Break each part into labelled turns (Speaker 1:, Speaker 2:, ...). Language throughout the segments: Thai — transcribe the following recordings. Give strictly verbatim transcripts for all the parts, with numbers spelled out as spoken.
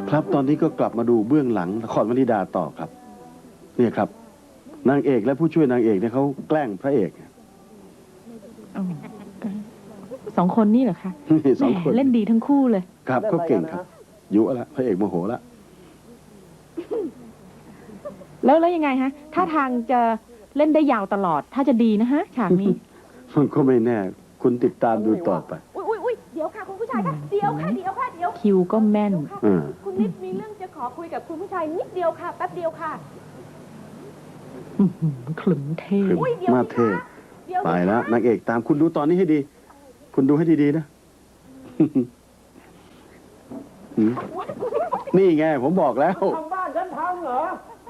Speaker 1: ครับตอนนี้ก็กลับมาดูเบื้องหลังละครวนิดาต่อครับเนี่ยครับนางเอกและผู้ช่วยนางเอกเนี่ยเขาแกล้งพระเอก
Speaker 2: สองคนนี่เหรอคะ
Speaker 1: สองคน
Speaker 2: เล่นดีทั้งคู่เลย
Speaker 1: ครับเขาเก่งครับยุละพระเอกโมโหละ
Speaker 2: แล้วแล้วยังไงฮะท่าทางจะเล่นได้ยาวตลอดถ้าจะดีนะฮะฉากนี้
Speaker 1: มันก็ไม่แน่คุณติดตามดูต่อไป
Speaker 3: อุ้ยอุ้ยอุ้ยเดี๋ยวค่ะคุณผู้ชายค่ะเดี๋ยวค่ะเดี๋ยวค่ะเดี๋ยว
Speaker 2: คิวก็แม่น
Speaker 3: คุณนิดมีเรื่องจะขอคุยกับคุณผู้ชายนิดเดียวค่ะแป๊บเดียวค่ะ
Speaker 2: ขลุ่มเท่
Speaker 1: มาเท่ไปแล้วนางเอกตามคุณดูตอนนี้ให้ดีคุณดูให้ดีๆนะนี่ไงผมบอกแล้ว
Speaker 4: ทำบ้านฉันพังเหร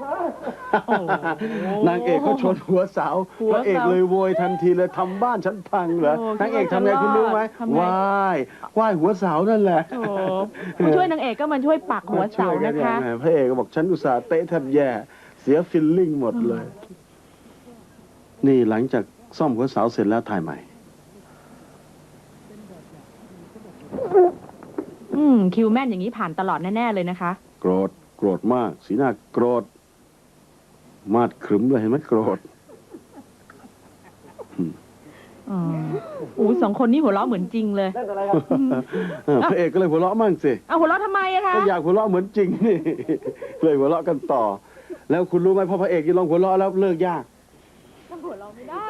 Speaker 1: อนางเอกเขาชนหัวเสาพระเอกเลยโวยทันทีเลยทำบ้านฉันพังเหรอนางเอกทำไงคุณรู้ไหมว่ายว่ายหัวเสานั่นแหละ
Speaker 2: ผู้ช่วยนางเอกก็มาช่วยปักหัวเสานะคะ
Speaker 1: พระเอกก็บอกฉันอุตส่าห์เตะแทบแย่เสียฟิลลิ่งหมดเลยนี่หลังจากซ่อมหัวเสาเสร็จแล้วถ่ายใหม่
Speaker 2: อืมคิวแม่นอย่างนี้ผ่านตลอดแน่ๆเลยนะคะ
Speaker 1: โกรธโกรธมากสีหน้าโกรธมาดขรึมเลยเห็นไหมโกรธ
Speaker 2: อ๋ออู้สองคนนี้หัวเราะเหมือนจริงเลย
Speaker 1: พระเอกก็เลยหัวเราะมั่งสิ
Speaker 2: เอาหัวเราะทำไมอะคะ
Speaker 1: ก็อยากหัวเราะเหมือนจริงนี่เลยหัวเราะกันต่อแล้วคุณรู้ไหมพอพระเอกยิ่งลองหัวเราะแล้วเลิกยาก
Speaker 3: มันหัวเราะไม่ได้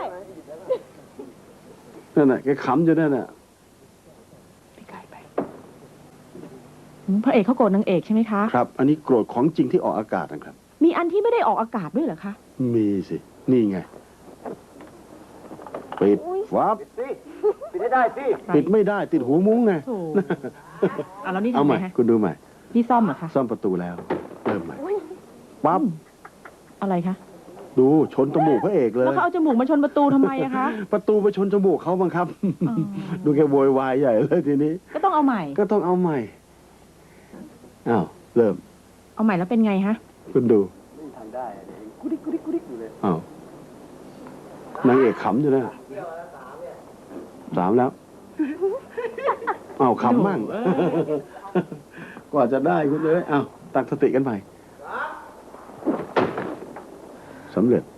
Speaker 1: นั่นแหละแกขำอยู่นั่นแหละ
Speaker 2: พระเอกเขาโกรธนางเอกใช่ไหมคะ
Speaker 1: ครับอันนี้โกรธของจริงที่ออกอากาศนะครับ
Speaker 2: มีอันที่ไม่ได้ออกอากาศด้วยเหรอคะ
Speaker 1: มีสินี่ไงปิดวับ
Speaker 4: ปิดไม่ได้สิ
Speaker 1: ปิดไม่ได้ติดหูมุ้งไง
Speaker 2: เอาแล้วนี่
Speaker 1: ทำไมคุณดูใหม่
Speaker 2: นี่ซ่อมเหรอคะ
Speaker 1: ซ่อมประตูแล้วเริ่มใหม่ปั๊บ
Speaker 2: อะไรคะ
Speaker 1: ดูชนจมูกพระเอกเลย
Speaker 2: แล้วเขาเอาจมูกมาชนประตูทำไมอะคะ
Speaker 1: ประตูไปชนจมูกเขาบังคับดูแกโวยวายใหญ่เลยทีนี้
Speaker 2: ก็ต้องเอาใหม่
Speaker 1: ก็ต้องเอาใหม่อ้าวเริ่ม
Speaker 2: เอาใหม่แล้วเป็นไงฮะ
Speaker 1: คุณดู
Speaker 4: ไม่ทำได้กุดิกกุดิกกุดิกอยู่เลย
Speaker 1: อ้าวนางเอกขำอยู่นะสามแล้วอ้าวขำมั่งกว่าจะได้คุณเลยอ้าวตั้งสติกันใหม่สำเร็จ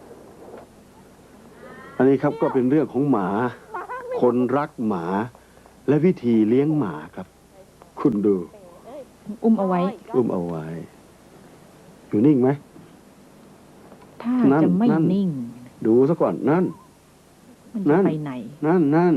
Speaker 1: อันนี้ครับก็เป็นเรื่องของหมาคนรักหมาและวิธีเลี้ยงหมาครับคุณดู
Speaker 2: อุ้มเอาไว้
Speaker 1: อุ้มเอาไว้อยู่นิ่งไหม
Speaker 2: ถ้าจะไม่นิ่ง
Speaker 1: ดูซะก่อนนั่น
Speaker 2: นั่นไปไหน
Speaker 1: นั่นนั่น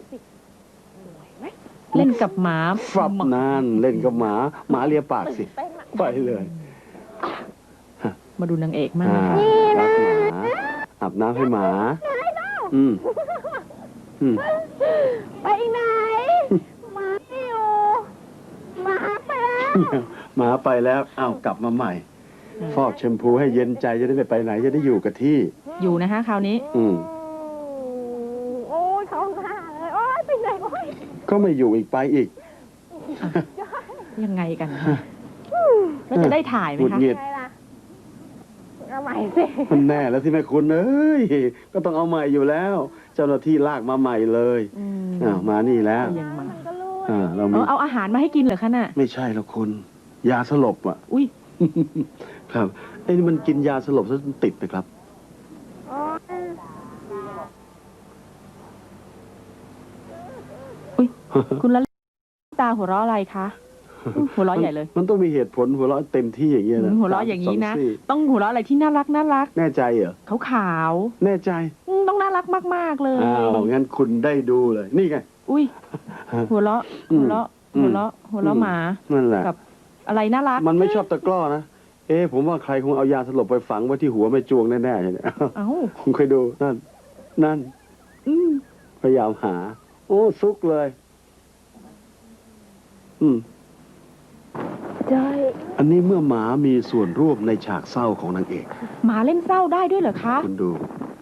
Speaker 2: เล่นกับหมา
Speaker 1: ฟับนั่นเล่นกับหมาหมาเลียปากสิไปเลย
Speaker 2: มาดูนางเอกมาก
Speaker 1: รักหมาอาบน้ำให้หมาอืมอืม
Speaker 3: ไปไหนหมาอยู่หมาไปแล้ว
Speaker 1: หมาไปแล้วอ้าวกลับมาใหม่ฟอกแชมพูให้เย็นใจจะได้ไม่ไปไหนจะได้อยู่กับที่
Speaker 2: อยู่นะฮะคราวนี้
Speaker 1: อืม
Speaker 3: โอ้ยท้องห่าเลยโอ้ยไปไหนโอ้ย
Speaker 1: ก็ไม่อยู่อีกไปอีก
Speaker 2: ยังไงกันแล้วจะได้ถ่ายไหมคะ
Speaker 3: เอาใหม่สิ
Speaker 1: มันแน่แล้วที่แม่คุณเอ้ยก็ต้องเอาใหม่อยู่แล้วเจ้าหน้าที่ลากมาใหม่เลยอ้าวมานี่แล้ว
Speaker 2: อ่าเราเอาอาหารมาให้กินเหรอคะน่ะ
Speaker 1: ไม่ใช่แล้วคุณยาสลบอ่ะ
Speaker 2: อุ้ย
Speaker 1: ครับไอ้นี่มันกินยาสลบซะติดนะครับ
Speaker 2: อุ้ยคุณละตาหัวเราะอะไรคะหัวเราะใหญ่เลย
Speaker 1: มันต้องมีเหตุผลหัวเราะเต็มที่อย่างเงี้ยนะ
Speaker 2: หัวเราะอย่างนี้นะต้องหัวเราะอะไรที่น่ารักน่ารัก
Speaker 1: แน่ใจเหรอ
Speaker 2: ขาวขาว
Speaker 1: แน่ใจ
Speaker 2: ต้องน่ารักมากๆเลย
Speaker 1: อ้าวงั้นคุณได้ดูเลยนี่ไง
Speaker 2: อุ้ยหัวเราะหัวเราะหัวเราะหัวเราะหมา
Speaker 1: นั่นแหละ
Speaker 2: กับอะไรน่ารัก
Speaker 1: มันไม่ชอบตะกร้อนะเอ๊ะผมว่าใครคงเอายาสลบไปฝังไว้ที่หัวไม่จวงแน่ๆเนี่ย
Speaker 2: เอ้า
Speaker 1: คุณเคยดูนั่นนั่นพยายามหาโอ้ซุกเลยอืมอันนี้เมื่อหมามีส่วนร่วมในฉากเศร้าของนางเอก
Speaker 2: หมาเล่นเศร้าได้ด้วยเหรอคะ
Speaker 1: คุณดู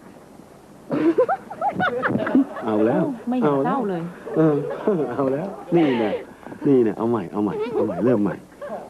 Speaker 1: เอาแล้ว
Speaker 2: ไม่เห็นเศร้าเลย
Speaker 1: เออเอาแล้วนี่เนี่ยนี่เนี่ยเอาใหม่เอาใหม่เอาใหม่เริ่มใหม่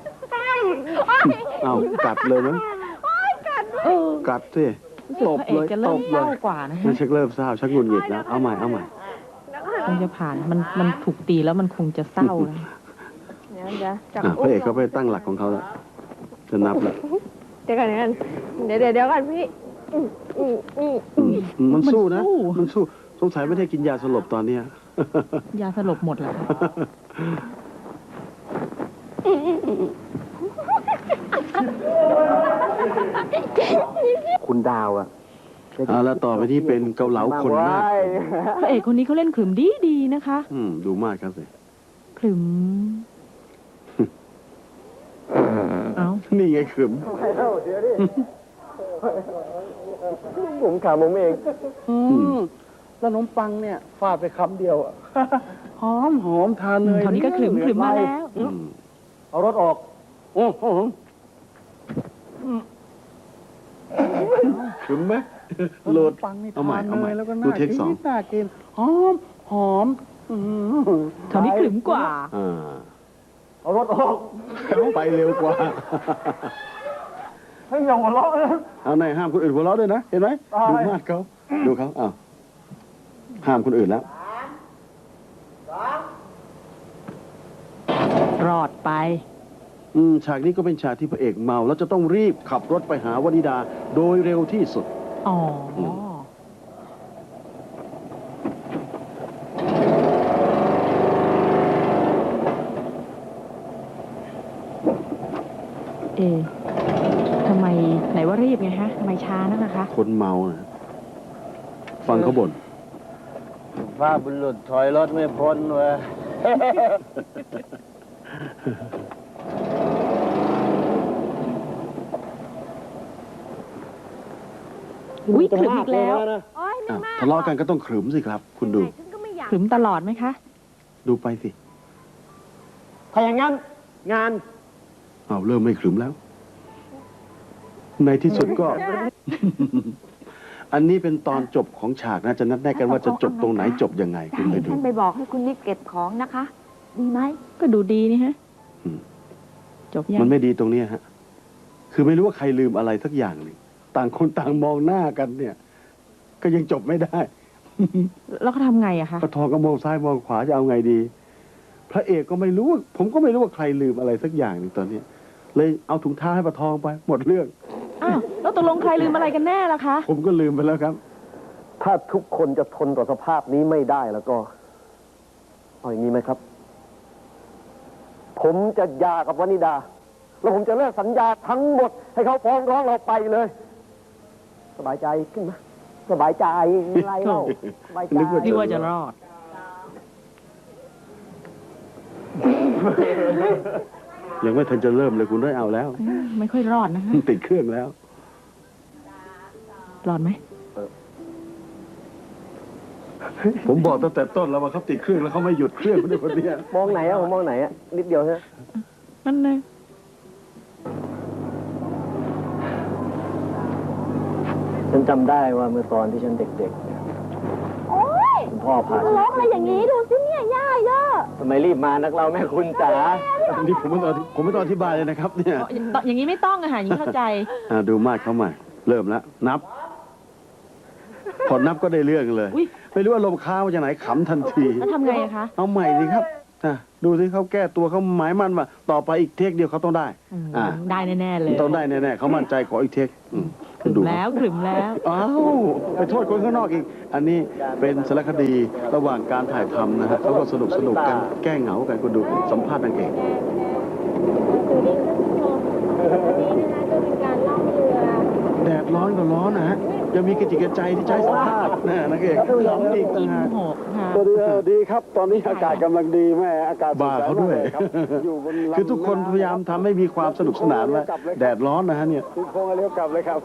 Speaker 1: เอากัดเลยมั้ยกัดสิตบเลยตบเลยมันชักเริ่มเศร้าชักหงุดหงิดแล้วเอาใหม่เอาใหม่
Speaker 2: คงจะผ่านมันมันถูกตีแล้วมันคงจะเศร้าแล้ว
Speaker 3: เดี๋ยวจับ
Speaker 1: อ่ะพระเอกเขาไปตั้งหลักของเขาแล้วจะนับแล้ว
Speaker 3: เดี๋ยวก่อนเดี๋ยวก่อนเดี๋ยวเดี๋ยวเดี๋ยวก่อนพี่อืมอืมอืมอืม
Speaker 1: อืมมันสู้นะ
Speaker 2: มันสู้
Speaker 1: มันสู้สงสัยไม่ได้กินยาสลบตอนเนี้ย
Speaker 2: ยาสลบหมดแล้ว
Speaker 4: คุณดาวอะ
Speaker 1: เอาแล้วต่อไปที่เป็นเกาเหลาคนมาก
Speaker 2: พระเอกคนนี้เขาเล่นขลุ่มดีดีๆนะคะ
Speaker 1: อืมดูมากครับสิ
Speaker 2: ขลุ่มเอา
Speaker 1: นี่ไงขึม
Speaker 4: ผมขาผมเอง
Speaker 1: อืม
Speaker 4: แล้วขนมปังเนี่ยฟาดไปคำเดียวอะหอมหอมทานเลย
Speaker 2: คราวนี้ก็ขลุ่มขลุ่มมาแล้ว
Speaker 1: อืม
Speaker 4: เอารถออกโอ้โห
Speaker 1: ขึมไหมโหลด
Speaker 4: ปังนี่
Speaker 1: เอาใหม่
Speaker 4: ทาน
Speaker 1: เอาใหม่
Speaker 4: เลยแล้วก็
Speaker 1: ดู
Speaker 4: น่า
Speaker 1: เทคสอง
Speaker 4: กินน่ากินหอมหอมอื้อหือ
Speaker 2: คราวนี้ขลุ่มกว่า
Speaker 1: อ่า
Speaker 4: เอารถออก
Speaker 1: ไปเร็วกว่า
Speaker 4: ให้ยองหัวเราะนะ
Speaker 1: เอาไหนห้ามคนอื่นหัวเราะด้วยนะ เห็นไหม
Speaker 4: ตาย
Speaker 1: ดูมากเขาดูเขาอ้าวห้ามคนอื่นแล้ว
Speaker 2: รอดไป
Speaker 1: อืมฉากนี้ก็เป็นฉากที่พระเอกเมา แล้วจะต้องรีบขับรถไปหาวนิดา โดยเร็วที่สุด
Speaker 2: อ๋ออ
Speaker 1: ม
Speaker 2: เอะทำไมไหนว่ารีบไงฮะทำไมช้านักนะคะ
Speaker 1: คนเมานะฟังเขาบ่น
Speaker 4: ว่าบุรุษถอยรถไม่พ้นเว้ย
Speaker 2: อุ๊ยขลุ่มอีกแล้ว
Speaker 3: โอ๊ยไม่
Speaker 1: อ่ะ
Speaker 3: มาก
Speaker 1: ทะเลาะกันก็ต้องขรึมสิครับ คุณดู
Speaker 3: ฉันก็ไม่อยาก
Speaker 2: ขลุ่มตลอดไหมคะ
Speaker 1: ดูไปสิ
Speaker 4: ถ้าอย่างนั้น งาน
Speaker 1: เอาเริ่มไม่ขรึมแล้ว ในที่สุดก็ อันนี้เป็นตอนจบของฉากนะ จะนัดแนะกันว่าจะจบตรงไหนจบยังไง คุณไปดู
Speaker 3: ท่านไปบอกให้คุณนิดเก็บของนะคะ ดีไหม
Speaker 2: ก็ดูดีนี่ฮะ
Speaker 1: อืม
Speaker 2: จบยัง
Speaker 1: มันไม่ดีตรงเนี้ยฮะ คือไม่รู้ว่าใครลืมอะไรสักอย่างหนึ่งต่างคนต่างมองหน้ากันเนี่ย ก็ยังจบไม่ได้
Speaker 2: แล้วเขาทำไงอะคะ
Speaker 1: กระทองก็มองซ้ายมองขวาจะเอาไงดี พระเอกก็ไม่รู้ว่าผมก็ไม่รู้ว่าใครลืมอะไรสักอย่างหนึ่งตอนเนี้ยเลยเอาถุงเท้าให้ปะทองไป หมดเรื่อง
Speaker 2: อ้าวแล้วตกลงใครลืมอะไรกันแน่ล่ะคะ
Speaker 1: ผมก็ลืมไปแล้วครับ
Speaker 4: ถ้าทุกคนจะทนต่อสภาพนี้ไม่ได้แล้วก็ เอาอย่างนี้ไหมครับ ผมจะหย่ากับวนิดา แล้วผมจะเลิกสัญญาทั้งหมด ให้เขาฟ้องร้องเราไปเลย สบายใจขึ้นไหมสบายใจอะไรเล่าสบายใจ
Speaker 1: นึกว่า
Speaker 2: ที่ว่าจะรอด
Speaker 1: ยังไม่ทันจะเริ่มเลยคุณได้เอาแล้ว
Speaker 2: อืมไม่ค่อยรอดนะคะ
Speaker 1: ติดเครื่องแล้ว
Speaker 2: รอดไหม
Speaker 1: ผมบอกตั้งแต่ต้นแล้วว่าเขาติดเครื่องแล้วเขาไม่หยุดเครื่องคนเดียวคนเนี้ย
Speaker 4: มองไหนอะผมมองไหนอะนิดเดียวใช่ไหม
Speaker 2: นั่นเลย
Speaker 4: ฉันจำได้ว่าเมื่อตอนที่ฉันเด็กๆเนี่ย
Speaker 3: โอ๊ย
Speaker 4: คุณพ่อพา
Speaker 3: ร้องอะไรอย่างนี้ดูสิเนี่ยย่าเยอะ
Speaker 4: ทำไมรีบมานักเราแม่คุณจ๋า
Speaker 1: นี่ผมไม่ต้องผมไม่ต้องอธิบายเลยนะครับ เนี่ย
Speaker 2: อ๋ออย่างนี้ไม่ต้องอะค่ะอย่างนี้เข้าใจ
Speaker 1: อ่าดูมาดเขาใหม่ เริ่มแล้ว นับ พอนับก็ได้เรื่องเลย
Speaker 2: อุ๊ย
Speaker 1: ไม่รู้ว่าลมค้างมาจากไหนขำทันที
Speaker 2: แล้วทำไงอะคะ
Speaker 1: เอาใหม่สิครับอ่ะดูสิเขาแก้ตัวเขาหมายมั่นว่า ต่อไปอีกเทคเดียวเขาต้องได้
Speaker 2: อืม
Speaker 1: อ่า
Speaker 2: ได้แน่ๆเลย
Speaker 1: ต้องได้แน่ๆเขามั่นใจขออีกเทคอืม
Speaker 2: ขลุ่ม
Speaker 1: ดู
Speaker 2: แล้วขลุ่มแล้ว
Speaker 1: อ้าวไปโทษคนข้างนอกอีก อันนี้เป็นสารคดีระหว่างการถ่ายทำนะฮะเขาก็สนุกสนุกกันแก้เหงากันคุณดูสัมภาษณ์นางเอก แดดร้อนก็ร้อนนะฮะยังมีกระจิกกระใจที่ใช้สัมภาษณ์นะนางเอกร้อนอีกต่าง
Speaker 2: ยิ้ม
Speaker 1: หาก
Speaker 2: โหกค่ะ
Speaker 5: สวัสดีสวัสดีครับ ตอนนี้อากาศกำลังดีแม่อากาศส
Speaker 1: บ้า
Speaker 5: ใส
Speaker 1: เขาด้วย
Speaker 5: มกลครับอยู่บนลำ
Speaker 1: คือทุกคนพยายามทำให้มีความสนุกสนานว่าแดดร้อนนะฮะเนี่ย
Speaker 5: คุณโค้งเลี้ยวกลับเลยครับ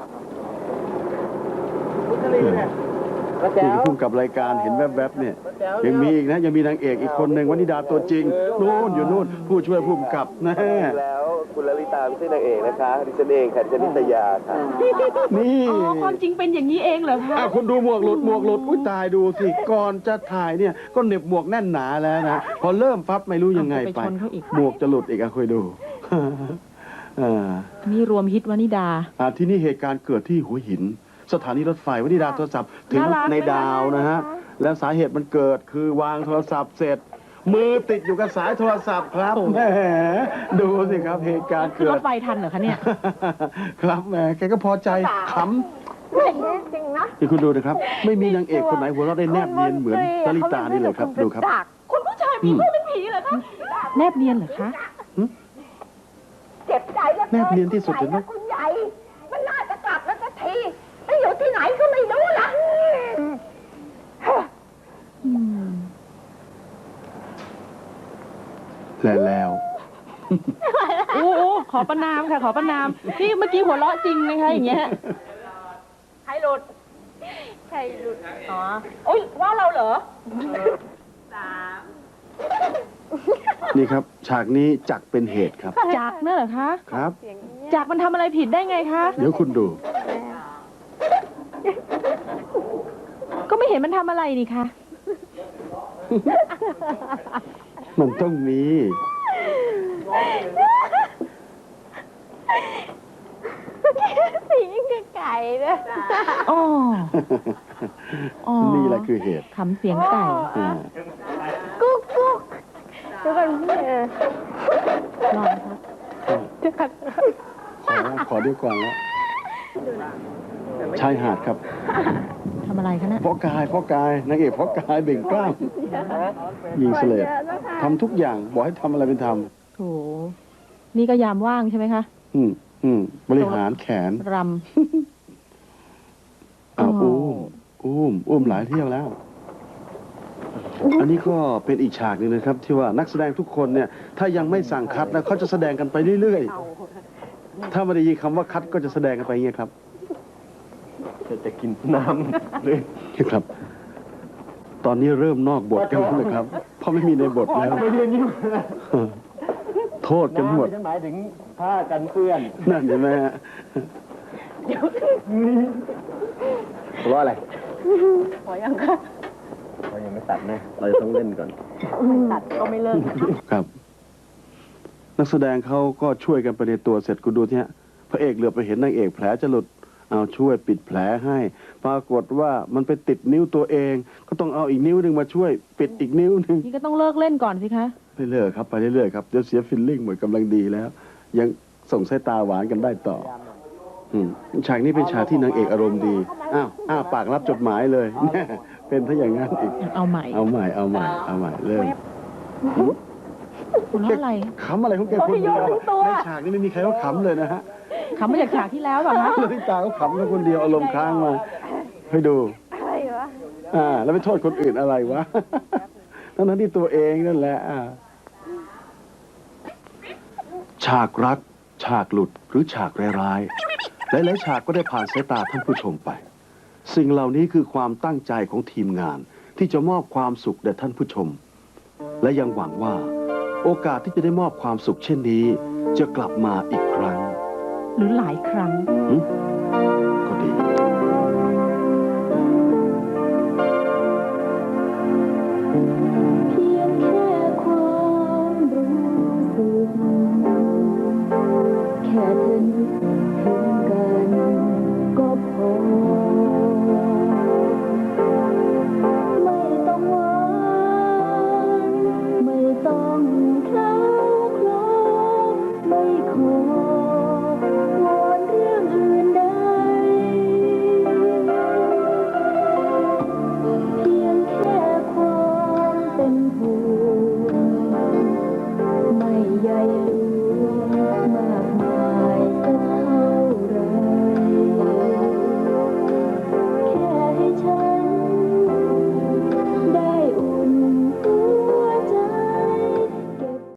Speaker 1: นี่คือพุ่มกับรายการเห็นแวบๆเนี่ยยังมีอีกนะยังมีนางเอกอีกคนหนึ่งวนิดาตัวจริงนู่นอยู่นู่นผู้ช่วยพุ่มกับนะ
Speaker 4: แล้วคุณลลิตาไม่ใช่นางเอกนะคะดิฉันเองค่ะดิฉันนิตยาค่ะ
Speaker 1: นี่
Speaker 2: อ๋อความจริงเป็นอย่างนี้เองเหรอคะ
Speaker 1: อ้าวคุณดูหมวกหลุดหมวกหลุดอุ้ยตายดูสิก่อนจะถ่ายเนี่ยก็เหน็บหมวกแน่นหนาแล้วนะพอเริ่มฟับไม่รู้ยังไงไป
Speaker 2: เอาไปชนเขาอีก
Speaker 1: หมวกจะหลุดอีกอะคุยดู อ่า
Speaker 2: นี่รวมฮิตวนิดา
Speaker 1: อ่าที่นี่เหตุการณ์เกิดที่หัวหิน สถานีรถไฟวนิดาโทรศัพท์ถึง
Speaker 2: น่ารัก
Speaker 1: ในดาวนะฮะ และสาเหตุมันเกิดคือวางโทรศัพท์เสร็จมือติดอยู่กับสายโทรศัพท์ครับแหมดูสิครับเหตุการณ์
Speaker 2: คือ
Speaker 1: เกิ
Speaker 2: ร
Speaker 1: ด
Speaker 2: ถไฟทันเหรอคะเนี่ย
Speaker 1: ครับแหมแกก็พอใจข
Speaker 3: ไม่จริงนะ
Speaker 1: ำนี่คุณดูนะครับ ไม่มีนางเอกคนไหนหัวเราะได้แนบเนียนเหมือนลลิตานี่เลยครับดูครับ
Speaker 3: คุณผู้ชายมีลูกเป็นผีเหรอคะ
Speaker 2: แนบเนียนเหรอคะ
Speaker 3: เจ็บใจแล้ว
Speaker 1: แนบเนียนที่สุดเลยนะ
Speaker 3: คุณใหญ่ มันน่าจะกลับแล้วสักทีไปอยู่ที่ไหนก็ไม่รู้ละ
Speaker 2: อืม
Speaker 1: แล้วแล้ว
Speaker 2: โอ้โอ้ขอประนามค่ะ ขอประนามนี่เมื่อกี้หัวเราะจริงนะคะอย่างเงี้ย
Speaker 3: ใครหลุดใครหลุด อ๋อโอ้ยว่าเราเหรอ
Speaker 1: นี่ครับ ฉากนี้จักเป็นเหตุครับ
Speaker 2: จากเนอะเหรอคะ
Speaker 1: ครับ
Speaker 2: จากมันทำอะไรผิดได้ไงคะ
Speaker 1: เดี๋ยวคุณดู
Speaker 2: ก็ไม่เห็นมันทำอะไรนี่คะ
Speaker 1: มันต้องมี
Speaker 3: สีคือไก่เลย
Speaker 2: อ๋อ อ๋อ
Speaker 1: นี่แหละคือเหตุ
Speaker 2: ขำเสียงไก่
Speaker 1: อ่า
Speaker 3: กุ๊กกุ๊กเดี๋ยวกันเออ
Speaker 2: รอนะคะ
Speaker 1: ขอแล้วขอเดียวก่อนแล้วชายหาดครับ
Speaker 2: ทำอะไรคะเนี่ย
Speaker 1: พ่อกายพ่อกายนางเอกพ่อกายเบ่งกล้ามยิงเสลดทำทุกอย่างบอกให้ทำอะไรเป็นท
Speaker 2: โถ นี่ก็ยามว่างใช่ไหมคะ
Speaker 1: ำอืมอืมบริหารแขน
Speaker 2: ร
Speaker 1: อ่า
Speaker 2: อ๋อ
Speaker 1: อุ้มอุ้มอุ้มหลายเที่ยวแล้ว อันนี้ก็เป็นอีกฉากหนึ่งนะครับ ที่ว่านักแสดงทุกคนเนี่ย ถ้ายังไม่สั่งคัดนะเขาจะแสดงกันไปเรื่อยๆถ้าไม่ได้ยินคำว่าคัดก็จะแสดงกันไปอย่างเงี้ยครับ
Speaker 4: จะกินน้ำเลย
Speaker 1: ครับ ตอนนี้เริ่มนอกบทกันแล้วนะครับ เพราะไม่มีในบทแล้ว
Speaker 4: ไม่เรียนยิ้ม
Speaker 1: โทษกันหมด
Speaker 4: ฉันหมายถึงผ้ากันเปื้อน
Speaker 1: นั่นเห็นไหมฮะ
Speaker 4: เพราะอะไร
Speaker 3: ขอยังคะ
Speaker 4: เรายังไม่ตัดนะ เราจะต้องเล่นก่อน
Speaker 3: ตัดก็ไม่เลิก
Speaker 1: ครับ นักแสดงเขาก็ช่วยกันไปในตัวเสร็จคุณดูที่ฮะพระเอกเหลือไปเห็นนางเอกแผลจะหลุด เอาช่วยปิดแผลให้ ปรากฏว่ามันไปติดนิ้วตัวเอง ก็ต้องเอาอีกนิ้วหนึ่งมาช่วย ปิดอีกนิ้วหนึ่ง
Speaker 2: ำนี่ก็ต้องเลิกเล่นก่อนสิคะ
Speaker 1: ไปเรื่อยครับไปเรื่อยๆครับเดี๋ยวเสียฟิลลิ่งหมดกำลังดีแล้ว ยังส่งสายตาหวานกันได้ต่อ อืมฉากนี้เป็นฉากที่นางเอกอารมณ์ดีอ้าวอ้าปากรับจดหมายเลย แน่เป็นถ้าอย่างนั้นอีก
Speaker 2: เอาใหม่
Speaker 1: เอาใหม่เอาใหม่เอาใหม่เริ่ม
Speaker 2: หัวเราะอะไร
Speaker 1: ขำอะไรของแกคนเดียวในฉากนี้ไม่มีใครเขาขำเลยนะฮะ
Speaker 2: ขำมาจากฉากที่แล้วเปล่าคะ
Speaker 1: ลลิตาเขาขำแค่คนเดียวอารมณ์ค้างมาให้ดู
Speaker 3: อะไรวะ
Speaker 1: อ่า แล้วไปโทษคนอื่นอะไรวะ ทั้งนั้นที่ตัวเองนั่นแหละอ่าฉากรัก ฉากหลุดหรือฉากร้ายๆหลายๆฉากก็ได้ผ่านสายตาท่านผู้ชมไป สิ่งเหล่านี้คือความตั้งใจของทีมงาน ที่จะมอบความสุขแด่ท่านผู้ชม และยังหวังว่า โอกาสที่จะได้มอบความสุขเช่นนี้ จะกลับมาอีกครั้ง
Speaker 2: หรือหลายครั้ง
Speaker 1: หึก็ดี
Speaker 3: เพียงแค่ความรู้สึกแค่เธอนึก